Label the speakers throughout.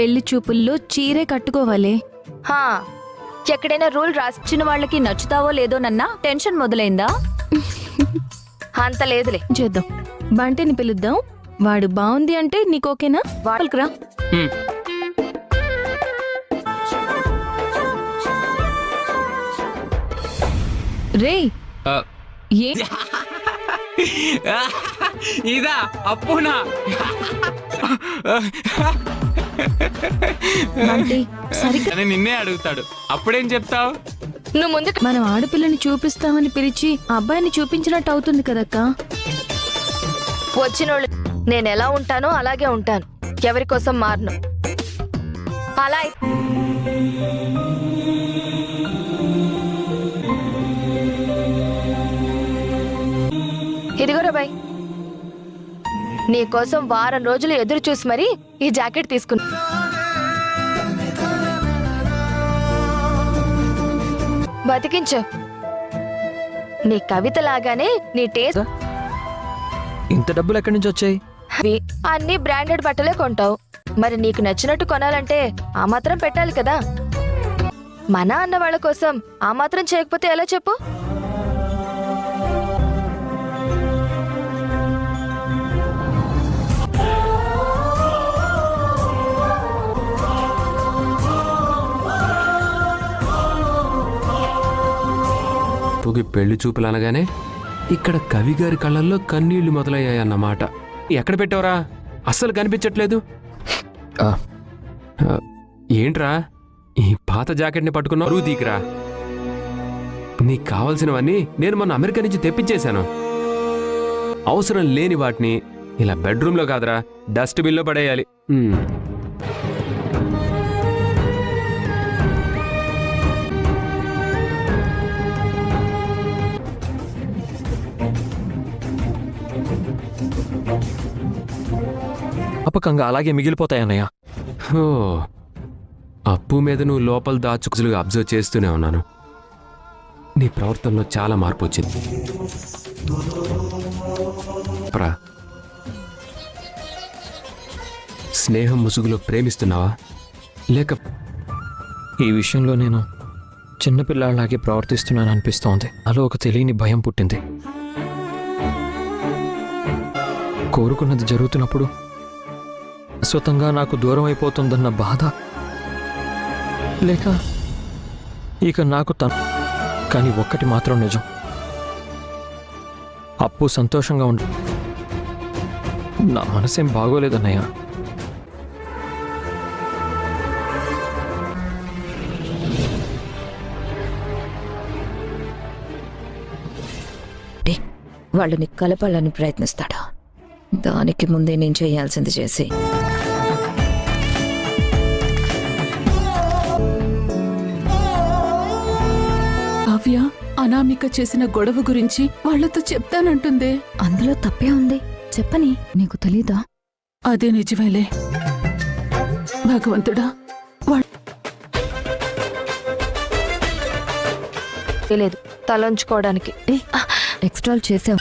Speaker 1: పెళ్లి చూపుల్లో చీరే కట్టుకోవాలి.
Speaker 2: హా, ఎక్కడైనా రూల్ రాసిన వాళ్ళకి నచ్చుతావో లేదోనన్నా టెన్షన్ మొదలైందా? అంత లేదులే.
Speaker 1: చేద్దాం. బంటిని పిలుద్దాం. వాడు బాగుంది అంటే నీకోకేనా? వాళ్ళకురా. రే ఏ
Speaker 3: ఇదా అప్పునా?
Speaker 1: బంటి సరిగ్గా
Speaker 3: అని నిన్నే అడుగుతాడు, అప్పుడేం చెప్తావు?
Speaker 2: నువ్వు ముందు
Speaker 1: మనం ఆడపిల్లని చూపిస్తామని పిలిచి అబ్బాయిని చూపించినట్టు అవుతుంది కదక్క.
Speaker 2: వచ్చినోళ్ళు నేను ఎలా ఉంటానో అలాగే ఉంటాను, ఎవరి కోసం మారను. అలా ఇదిగోరా బాయ్, నీకోసం వారం రోజులు ఎదురు చూసి మరీ ఈ జాకెట్ తీసుకున్నా. బతికించు. నీ కవిత లాగానే నీ టేస్ట్.
Speaker 4: ఇంత డబ్బులు ఎక్కడి నుంచి వచ్చాయి?
Speaker 2: అన్ని బ్రాండెడ్ బట్టలే కొంటావు, మరి నీకు నచ్చినట్టు కొనాలంటే ఆ మాత్రం పెట్టాలి కదా. మన అన్న వాళ్ళ కోసం ఆ మాత్రం చేయకపోతే ఎలా చెప్పు?
Speaker 5: పెళ్లి చూపులు అనగానే ఇక్కడ కవి గారి కళ్ళల్లో కన్నీళ్లు మొదలయ్యాయన్నమాట. ఎక్కడ పెట్టావురా? అస్సలు కనిపించట్లేదు. ఏంట్రా ఈ పాత జాకెట్ని పట్టుకున్న అరువు తీకిరా. నీకు కావలసినవన్నీ నేను మొన్న అమెరికా నుంచి తెప్పించేశాను. అవసరం లేని వాటిని ఇలా బెడ్రూమ్లో కాదురా డస్ట్బిన్లో పడేయాలి.
Speaker 4: అపకంగా అలాగే మిగిలిపోతాయన్నయ్య.
Speaker 5: ఓ, అప్పు మీద నువ్వు లోపల దాచుకులుగా అబ్జర్వ్ చేస్తూనే ఉన్నాను. నీ ప్రవర్తనలో చాలా మార్పు వచ్చింది. స్నేహం ముసుగులో ప్రేమిస్తున్నావా లేక?
Speaker 4: ఈ విషయంలో నేను చిన్నపిల్లాళ్ళలాగే ప్రవర్తిస్తున్నాను అనిపిస్తోంది. అలా ఒక తెలియని భయం పుట్టింది. కోరుకున్నది జరుగుతున్నప్పుడు శాశ్వతంగా నాకు దూరం అయిపోతుందన్న బాధ, లేక ఇక నాకు కానీ ఒక్కటి మాత్రం నిజం, అప్పు సంతోషంగా ఉండు. నా మనసేం బాగోలేదన్నయ్య.
Speaker 6: వాళ్ళని కలపాలని ప్రయత్నిస్తాడు. దానికి ముందే నేను చేయాల్సింది చేసి
Speaker 7: కావ్య అనామిక చేసిన గొడవ గురించి వాళ్లతో చెప్తానంటుందే.
Speaker 1: అందులో తప్పే ఉంది, చెప్పని. నీకు తెలీదా?
Speaker 7: అదే నిజమేలే. భగవంతుడా,
Speaker 2: లేదు తలంచుకోవడానికి.
Speaker 1: ఎక్స్ట్రాల్ చేసావు.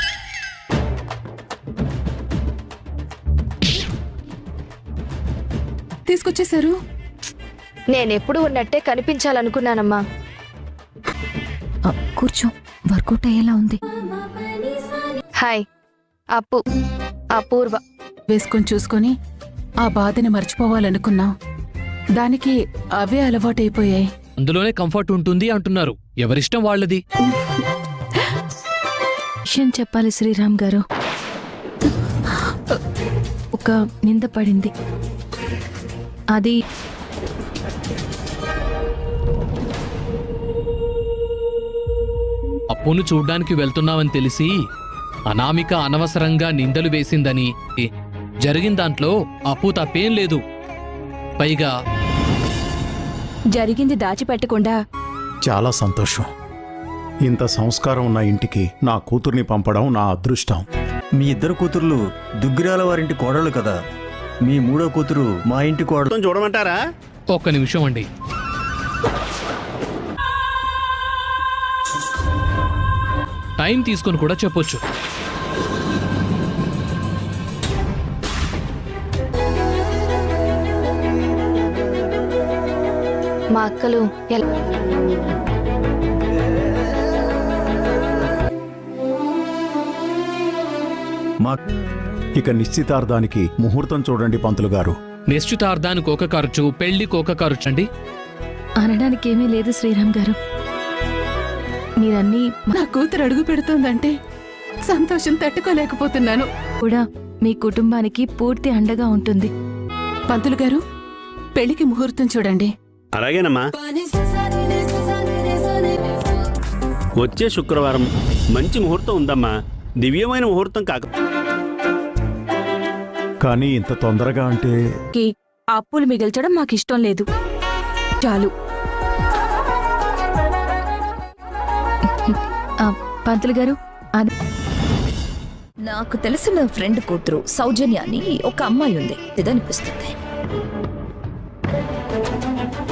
Speaker 7: తీసుకొచ్చేశారు.
Speaker 2: నేనెప్పుడు ఉన్నట్టే కనిపించాలనుకున్నానమ్మా.
Speaker 1: కూర్చో, వర్కౌట్ అయ్యేలా ఉంది.
Speaker 2: హాయ్, అప్పు, అపూర్వ.
Speaker 7: వేసుకొని చూసుకొని ఆ బాధని మర్చిపోవాలనుకున్నా. దానికి అవే అలవాటైపోయాయి.
Speaker 8: అందులోనే కంఫర్ట్ ఉంటుంది అంటున్నారు. ఎవరిష్టం వాళ్ళది.
Speaker 1: విషయం చెప్పాలి శ్రీరామ్ గారు. ఒక నింద పడింది. అది
Speaker 8: అప్పును చూడ్డానికి వెళ్తున్నావని తెలిసి అనామిక అనవసరంగా నిందలు వేసిందని. జరిగిన దాంట్లో అప్పు తప్పేం లేదు. పైగా
Speaker 1: జరిగింది దాచిపెట్టకుండా.
Speaker 9: చాలా సంతోషం. ఇంత సంస్కారం ఉన్న ఇంటికి నా కూతుర్ని పంపడం నా అదృష్టం.
Speaker 10: మీ ఇద్దరు కూతుర్లు దుగ్గిరాల వారింటి కోడళ్ళు కదా. మీ మూడో కూతురు మా ఇంటి కోడలు.
Speaker 9: చూడమంటారా?
Speaker 8: ఒక్క నిమిషం అండి. టైం తీసుకొని కూడా చెప్పొచ్చు.
Speaker 2: మా అక్కలు ఎలా
Speaker 10: మా
Speaker 9: ఇక నిశ్చితార్థానికి ముహూర్తం చూడండి పంతులు గారు.
Speaker 8: నిశ్చితార్థానికి ఒక ఖర్చు, పెళ్లికి ఒక ఖర్చు అండి.
Speaker 1: అనడానికి ఏమీ లేదు శ్రీరామ్ గారు. మీరన్నీ
Speaker 7: నా కూతురు అడుగు పెడుతోందంటే సంతోషం తట్టుకోలేకపోతున్నాను.
Speaker 1: కూడా మీ కుటుంబానికి పూర్తి అండగా ఉంటుంది.
Speaker 7: పంతులు గారు, పెళ్లికి ముహూర్తం చూడండి.
Speaker 11: అలాగేనమ్మా. వచ్చే శుక్రవారం మంచి ముహూర్తం ఉందమ్మా. దివ్యమైన ముహూర్తం కాక
Speaker 9: కానీ ఇంత తొందరగా అంటే
Speaker 1: అప్పులు మిగిల్చడం మాకిష్టం లేదు. చాలు. పంతులు గారు, అది
Speaker 6: నాకు తెలిసిన ఫ్రెండ్ కూతురు సౌజన్య అని ఒక అమ్మాయి ఉంది. ఇదనిపిస్తుంది.